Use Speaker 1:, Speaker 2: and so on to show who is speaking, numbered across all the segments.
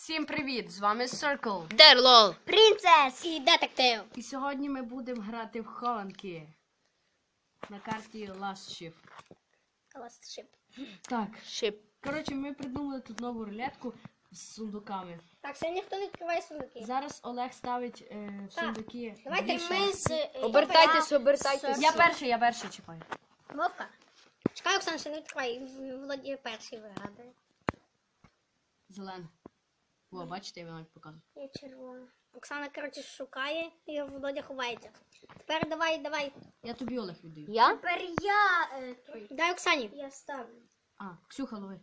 Speaker 1: Всім привіт! З вами Circle
Speaker 2: Дерлол,
Speaker 3: Принцес і детектив.
Speaker 1: І сьогодні ми будемо грати в хованки на карті Last Shift.
Speaker 3: Last Ship.
Speaker 1: Так,
Speaker 2: Шип.
Speaker 1: коротше, ми придумали тут нову рулетку з сундуками.
Speaker 3: Так, сьогодні хто відкриває сундуки?
Speaker 1: Зараз Олег ставить сундуки.
Speaker 3: Давайте
Speaker 1: дві
Speaker 3: ми
Speaker 1: шашки.
Speaker 3: з...
Speaker 2: Обертайтесь.
Speaker 1: Я перший чіпаю.
Speaker 3: Вовка. Чекай, Оксана, ще не відкривай. Володя перший вигадує.
Speaker 1: Зелений. О, бачите, я вам навіть показую.
Speaker 3: Я червона. Оксана, коротше, шукає і Володя ховається. Тепер давай.
Speaker 1: Я тобі Олег віддаю.
Speaker 2: Я?
Speaker 3: Тепер я... Дай Оксані. Я ставлю.
Speaker 1: А, Ксюха, лови.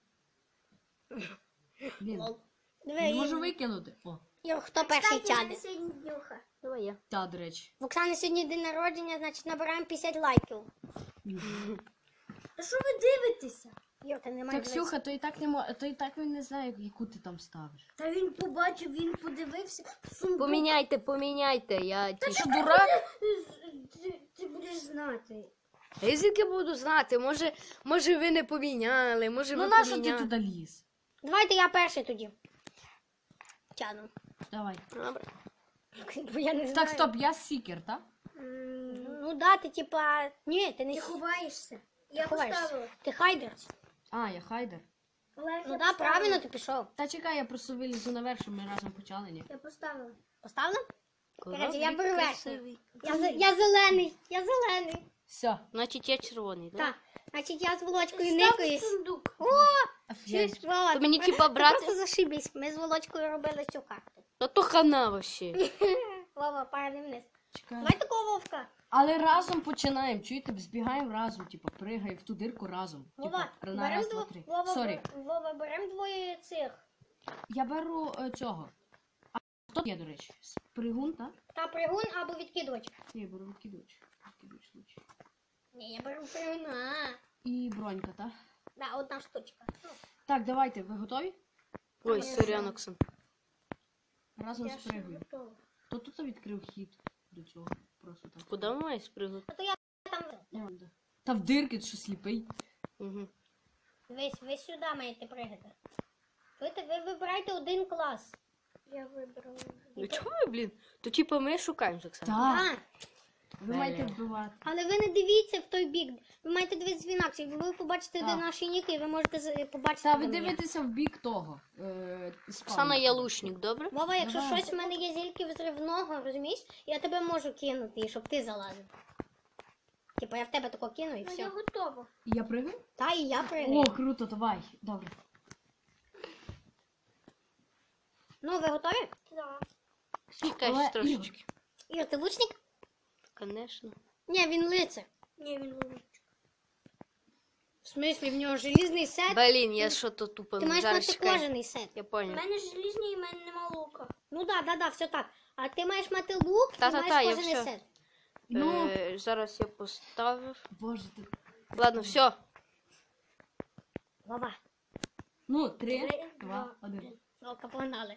Speaker 1: Блін,
Speaker 3: Диви,
Speaker 1: не можу викинути. О,
Speaker 3: Ір, хто перший тяне?
Speaker 2: Давай я.
Speaker 1: та, до речі.
Speaker 3: В Оксани сьогодні день народження, значить набираємо 50 лайків.
Speaker 4: А що ви дивитеся?
Speaker 3: Юр, ти не
Speaker 1: Так,
Speaker 3: маєш
Speaker 1: Ксюха, то і так не мо... то і так він не знає, яку ти там ставиш.
Speaker 4: Та він побачив, він подивився. Сундук.
Speaker 2: Поміняйте, я ті.
Speaker 1: Що, дурак?
Speaker 4: Ти будеш знати.
Speaker 2: Я звідки буду знати? Може ви не поміняли, може
Speaker 1: Ну
Speaker 2: ви
Speaker 1: нащо ти
Speaker 2: поміняли.
Speaker 1: туди ліз?
Speaker 3: Давайте я перший тоді. Тяну.
Speaker 1: Давай.
Speaker 2: Добре.
Speaker 3: Бо я не знаю.
Speaker 1: Так, стоп, я сікер, так?
Speaker 3: Ну да, ти типа... Ні, ти не...
Speaker 4: Ти ховаєшся. Я
Speaker 3: ховаєшся.
Speaker 4: поставила.
Speaker 3: Ти хайдер.
Speaker 1: А, я хайдер.
Speaker 4: Олег,
Speaker 3: Ну
Speaker 4: я
Speaker 3: да,
Speaker 4: поставила.
Speaker 3: правильно ти пішов.
Speaker 1: Та чекай, я просто вилізу наверх, щоб ми разом почали, ні?
Speaker 4: Я поставила.
Speaker 3: Поставила? Коротше, я
Speaker 2: Кораблик
Speaker 3: беру
Speaker 2: красивий.
Speaker 3: Я зелений. Я зелений.
Speaker 1: Все.
Speaker 2: Значить я червоний, так?
Speaker 3: Так. Значить, я з Володькою
Speaker 4: Ставлю
Speaker 3: никаюсь.
Speaker 4: сундук.
Speaker 3: Чуєш, Володь?
Speaker 2: То мені
Speaker 3: ми-
Speaker 2: типа
Speaker 3: ти
Speaker 2: брати?
Speaker 3: Просто зашибись. Ми з Володькою робили цю карту.
Speaker 2: Та то хана вообще.
Speaker 3: Вова, падай вниз.
Speaker 1: Чекай.
Speaker 3: Давай такого Вовка.
Speaker 1: Але разом починаємо, чуєте? Збігаємо разом, типу, пригай в ту дирку разом.
Speaker 3: Вова,
Speaker 1: Типу, на раз, два, три. Сорі.
Speaker 3: Вова, берем двоє цих.
Speaker 1: Я беру цього. А хто є, до речі? Спригун, так?
Speaker 3: Та пригун або відкидувач.
Speaker 1: Я беру відкидувач. Відкидувач лучше.
Speaker 3: Ні, я беру пригуна.
Speaker 1: І бронька, так?
Speaker 3: Да, одна штучка.
Speaker 1: Так, давайте, ви готові?
Speaker 2: Ой, сорян, Оксан.
Speaker 1: Разом
Speaker 3: Я ще
Speaker 1: спригаю.
Speaker 3: готова.
Speaker 1: Хто тут відкрив хід до цього? Просто так.
Speaker 2: Куди має спригати?
Speaker 3: А то я там...
Speaker 1: Да. Та в дирки, ти що сліпий?
Speaker 2: Угу.
Speaker 3: Ви сюди маєте пригати. Ви вибирайте один клас.
Speaker 4: Я вибрала.
Speaker 2: Ну чого ви, блін? То типа ми шукаємо з Оксаном.
Speaker 1: Так.
Speaker 3: А,
Speaker 1: Ви маєте вбивати.
Speaker 3: але ви не дивіться в той бік. Ви маєте дивитися в інакше. Ви побачите, де
Speaker 1: Так.
Speaker 3: наші ніки, і ви можете побачити.
Speaker 1: Та ви
Speaker 3: де ми є.
Speaker 1: дивитеся в бік того.
Speaker 2: Оксана є лучник, добре?
Speaker 3: Вова, якщо
Speaker 1: Давай.
Speaker 3: щось в мене є зільки взривного, розумієш, я тебе можу кинути, щоб ти залазив. Типа я в тебе тако кину і
Speaker 4: Ну, я
Speaker 3: все.
Speaker 4: готова.
Speaker 1: Я пригаю?
Speaker 3: Та і я пригаю.
Speaker 1: О, круто, давай. Добре.
Speaker 3: Ну, ви готові?
Speaker 4: Так.
Speaker 2: Чекай
Speaker 1: Але-
Speaker 2: ще трошечки.
Speaker 3: Ір, ти лучник?
Speaker 2: Конечно.
Speaker 3: Ні, він лицар.
Speaker 4: Ні, він ловить.
Speaker 3: В смислі, в нього желізний сет.
Speaker 2: Блін, я що то тупо
Speaker 3: Ти маєш
Speaker 2: зараз
Speaker 3: мати
Speaker 2: чекай.
Speaker 3: кожаний сет.
Speaker 2: Я
Speaker 4: У
Speaker 2: понял.
Speaker 4: мене желізний і в мене нема лука.
Speaker 3: Ну да, все так. А ти маєш мати лук і
Speaker 2: Та-та-та,
Speaker 3: маєш
Speaker 2: я
Speaker 3: кожаний
Speaker 2: все.
Speaker 3: сет.
Speaker 1: Ну,
Speaker 2: Зараз я поставив.
Speaker 1: боже ти.
Speaker 2: Ладно, все.
Speaker 3: Вова,
Speaker 1: Ну, 3, 2,
Speaker 4: два,
Speaker 1: 1.
Speaker 3: Волка, погнали.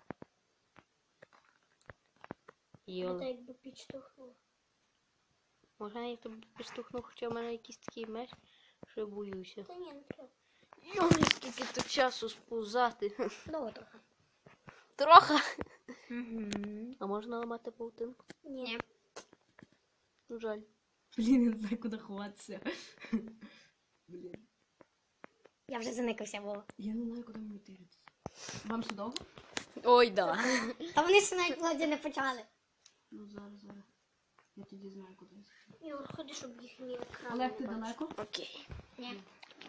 Speaker 4: Я
Speaker 2: Йола.
Speaker 4: так якби підштовхнула.
Speaker 2: Можна я тебе підштовхну, хоча в мене якийсь такий меч, що я боюся.
Speaker 4: Та ні, не треба.
Speaker 2: Йоли, скільки тут часу сповзати.
Speaker 3: Довго трохи.
Speaker 2: Трохи. А можна ламати паутинку?
Speaker 3: Ні.
Speaker 2: Ну, жаль.
Speaker 1: Блін, я не знаю, куди ховатися. Блін.
Speaker 3: Я вже заникався, Вова.
Speaker 1: Я не знаю, куди мені тиритися. Вам ще довго?
Speaker 2: Ой, да.
Speaker 3: Та вони ще навіть владі не почали.
Speaker 1: Ну, зараз. Я тоді знаю, куди.
Speaker 4: Ігор, ходи, щоб їхній екран.
Speaker 1: Олег, ти
Speaker 4: не бачив.
Speaker 1: далеко?
Speaker 2: Окей.
Speaker 3: Ні.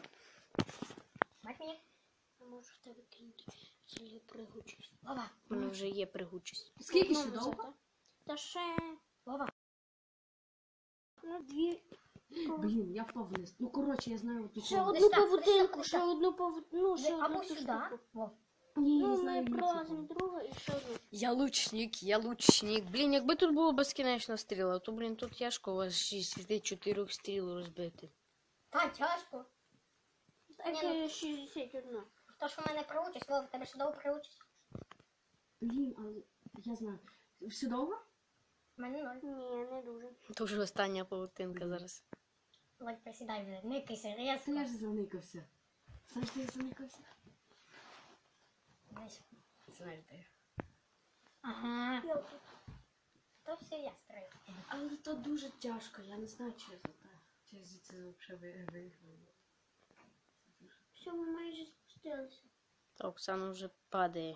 Speaker 3: Бать мені?
Speaker 4: Я можу в тебе кинути. Цілі пригучість.
Speaker 3: Вова.
Speaker 2: У мене вже є пригучість.
Speaker 1: Скільки ще довго?
Speaker 4: Та ще...
Speaker 3: Вова.
Speaker 4: Ну, дві...
Speaker 1: Блін, я впав вниз. Ну, коротше, я знаю оту
Speaker 4: Ще
Speaker 1: комнату.
Speaker 4: одну
Speaker 3: так,
Speaker 4: павутинку,
Speaker 3: десь
Speaker 4: ще
Speaker 3: так.
Speaker 4: одну павутинку. Ще
Speaker 3: Або
Speaker 4: одну
Speaker 3: сюди.
Speaker 4: штуку.
Speaker 3: Вов.
Speaker 1: Ні, я
Speaker 4: Ну,
Speaker 1: знаю
Speaker 4: ми
Speaker 1: іншу
Speaker 4: пролазимо
Speaker 1: комнату.
Speaker 4: другу і ще одну.
Speaker 2: Я лучник. Блін, якби тут було безкінечно стріла, то, блін, тут тяжко у вас 64 стріл розбити.
Speaker 3: Та, тяжко.
Speaker 4: Так,
Speaker 3: Ні, ну.
Speaker 4: 61.
Speaker 3: То, що в мене приучись, Вова, в тебе ще довго приучись.
Speaker 1: Блін, але я знаю. Все довго?
Speaker 3: В мене ноль.
Speaker 4: Ні, не дуже.
Speaker 2: То вже остання павутинка зараз.
Speaker 3: Володь, присідай вже, никайся,
Speaker 1: Та я
Speaker 3: резко.
Speaker 1: ж заникався. Знаєш, я заникався.
Speaker 3: Дивись.
Speaker 1: Знаєш де.
Speaker 3: Ага. То все я строю.
Speaker 1: Але то дуже тяжко, я не знаю, чи я за те. Чи я звідси взагалі виграю.
Speaker 4: Все, ми майже спустилися.
Speaker 2: Та Оксана вже падає.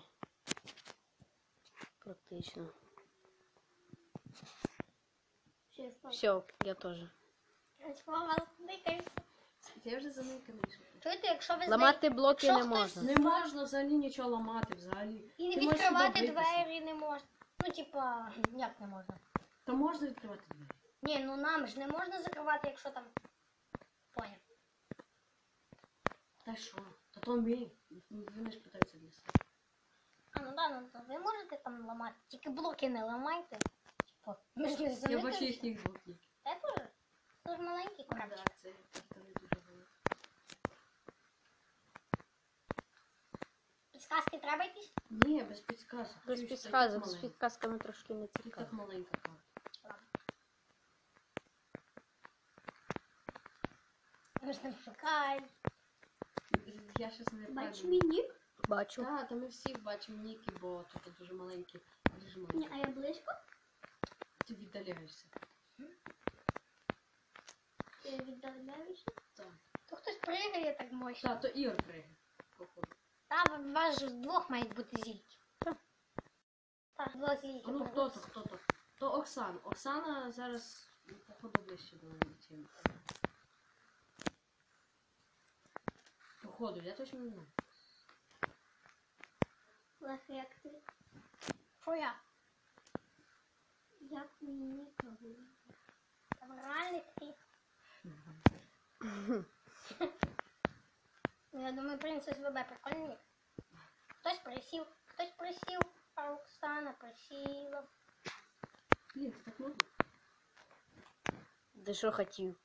Speaker 2: Практично.
Speaker 4: Все, я впав.
Speaker 2: Все, я теж.
Speaker 3: Мама, никається.
Speaker 1: Я вже заниканий.
Speaker 3: Чуєте, якщо ви
Speaker 2: Ламати блоки
Speaker 3: Якщо
Speaker 2: не
Speaker 3: хтось
Speaker 2: можна.
Speaker 1: Не можна взагалі нічого ламати взагалі.
Speaker 3: І не
Speaker 1: Ти можеш
Speaker 3: відкривати
Speaker 1: сюди битися.
Speaker 3: двері не можна. Ну, типа, як не можна?
Speaker 1: Та можна відкривати двері.
Speaker 3: Ні, ну нам ж не можна закривати, якщо там. Поняв.
Speaker 1: Та що? Та то ми. Вони ж питаються для себе.
Speaker 3: А, ну да, ну то ви можете там ламати. Тільки блоки не ламайте. Типа, ми ж не
Speaker 1: Я бачу
Speaker 3: заникаємося.
Speaker 1: їхніх блоків.
Speaker 3: Та теж. Це ж маленький крабчик.
Speaker 1: Так, це не дуже велике.
Speaker 3: Підсказки треба якісь?
Speaker 1: Ні, без підказок.
Speaker 2: Без
Speaker 1: Ти ж
Speaker 2: підказок,
Speaker 1: так
Speaker 2: з
Speaker 1: маленька.
Speaker 2: підказками трошки не
Speaker 1: Ти
Speaker 2: цікаво.
Speaker 1: так маленька карта.
Speaker 3: Ми ж не шукаємо.
Speaker 1: Я щас не
Speaker 4: Бачиш
Speaker 1: пам'ятаю.
Speaker 4: мій нік?
Speaker 2: Бачу.
Speaker 1: Так, та ми всі бачимо ніки, бо тут дуже маленькі. Дуже
Speaker 4: Ні,
Speaker 1: маленькі.
Speaker 4: а я близько?
Speaker 1: Ти віддаляєшся.
Speaker 4: Я віддаляюся.
Speaker 1: Так.
Speaker 3: То хтось пригає так мощно.
Speaker 1: Так, то Ігор пригає. Походу.
Speaker 3: Та у вас ж двох мають бути зільки.
Speaker 2: Так.
Speaker 3: Так, два зільки.
Speaker 1: А ну хто то, хто то? То Оксана. Оксана зараз, походу, ближче до мене, чим. Походу, я точно не знаю.
Speaker 4: Лех, як ти?
Speaker 3: Що я?
Speaker 4: Як мій нік?
Speaker 3: Там реальний такий. Ну, я думаю, принцес ВБ прикольний. Хтось присів, а Оксана присіла.
Speaker 1: Блін, так можна?
Speaker 2: Де що хотів?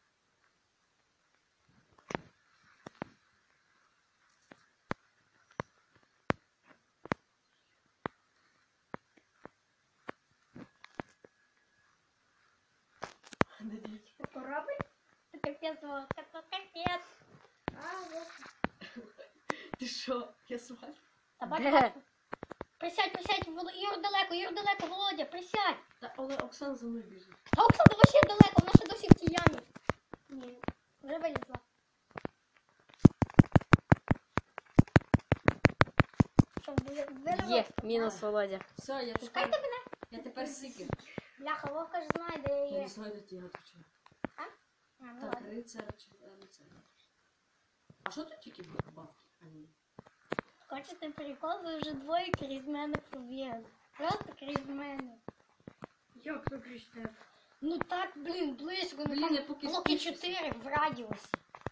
Speaker 1: Надіюсь.
Speaker 3: Корабль? Це капець, Вовка, це капець.
Speaker 4: А, вот.
Speaker 1: Ти що? Я свалю?
Speaker 3: Та бачу,
Speaker 2: Де?
Speaker 3: бачу. Присядь, Юр далеко, Володя, присядь.
Speaker 1: Та, але Оксана за мною біжить.
Speaker 3: А Оксана вообще далеко, вона ще досі в тій ямі.
Speaker 4: Ні.
Speaker 3: Вже вилізла. Що, вилізла?
Speaker 2: Є, мінус Володя.
Speaker 1: Все, я
Speaker 3: Пускайте
Speaker 1: тепер,
Speaker 3: мене.
Speaker 1: я тепер сікер.
Speaker 3: Бляха, Вовка ж знає, де я
Speaker 1: Я
Speaker 3: є.
Speaker 1: не знаю, де ті готовчі.
Speaker 3: А, ну
Speaker 1: Так,
Speaker 3: ладно.
Speaker 1: рицар чи рицар. А що тут тільки бабки? А ні.
Speaker 3: Хочете прикол, ви вже двоє крізь мене пробігли. Просто крізь мене.
Speaker 4: Як ви кричите?
Speaker 3: Ну так, блін, близько. Ну
Speaker 1: Блін,
Speaker 3: там
Speaker 1: я поки
Speaker 3: блоки
Speaker 1: спішуся.
Speaker 3: 4 в радіусі.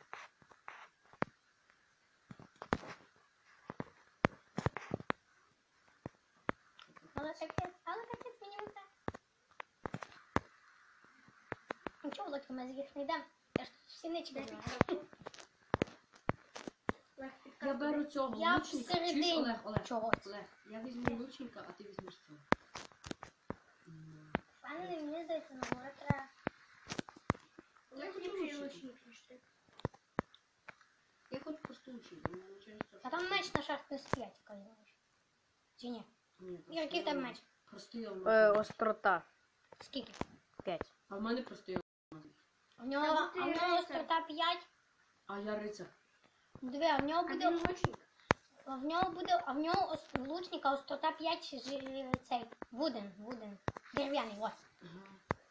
Speaker 3: Але капець мені не так. Нічого, Володька, ми звідси не йдемо. Я ж тут всі ничі буду.
Speaker 4: Лех,
Speaker 1: Я
Speaker 4: підказуй.
Speaker 1: беру цього
Speaker 3: Я
Speaker 1: лучника.
Speaker 3: всередині
Speaker 1: Чуєш, Олег?
Speaker 3: чогось.
Speaker 1: Олег, я візьму лучника, а ти візьмеш цього.
Speaker 3: Пане, мені здається, на море треба.
Speaker 4: Я хочу лучник знайти.
Speaker 1: Я хочу просто лучника, мене через це.
Speaker 3: А там меч на шахт не стоять, кажеш. Чи ні?
Speaker 1: Ні,
Speaker 3: Ігор, який там меч?
Speaker 1: Простий
Speaker 2: Острота.
Speaker 3: Скільки?
Speaker 2: 5.
Speaker 1: А в мене простий
Speaker 3: В нього острота 5.
Speaker 1: А я рицар.
Speaker 3: Диви, а в нього
Speaker 4: А
Speaker 3: буде...
Speaker 4: він лучник?
Speaker 3: А в нього лучника острота 5 цей. Вуден. Дерев'яний, ось.
Speaker 1: Ага.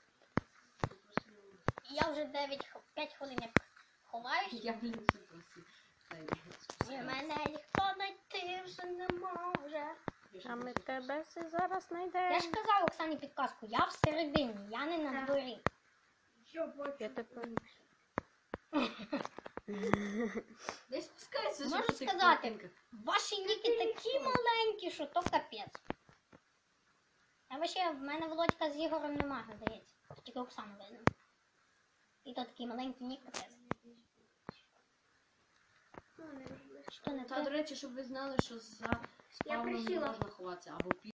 Speaker 3: І я вже 5 хвилин як ховаюсь.
Speaker 1: Я, блін, все просив.
Speaker 3: І мене ніхто знайти вже не може.
Speaker 2: А ми тебе все зараз
Speaker 3: Я
Speaker 2: знайдемо.
Speaker 3: ж казав Оксані підказку, я всередині, я не на дворі.
Speaker 4: Що, бачу?
Speaker 2: Я тепер...
Speaker 1: Десь спускайся.
Speaker 3: Можу
Speaker 1: щоб ти
Speaker 3: сказати,
Speaker 1: картинка.
Speaker 3: ваші ніки такі маленькі, що то капець. А вообще, в мене Володька з Ігорем немає, здається. Тільки Оксану видно. І то такий маленький нік капець.
Speaker 4: Ну, не важливо.
Speaker 3: Що не
Speaker 1: Та, до
Speaker 3: так?
Speaker 1: речі, щоб ви знали, що за спавном не
Speaker 4: присіла.
Speaker 1: можна ховатися, або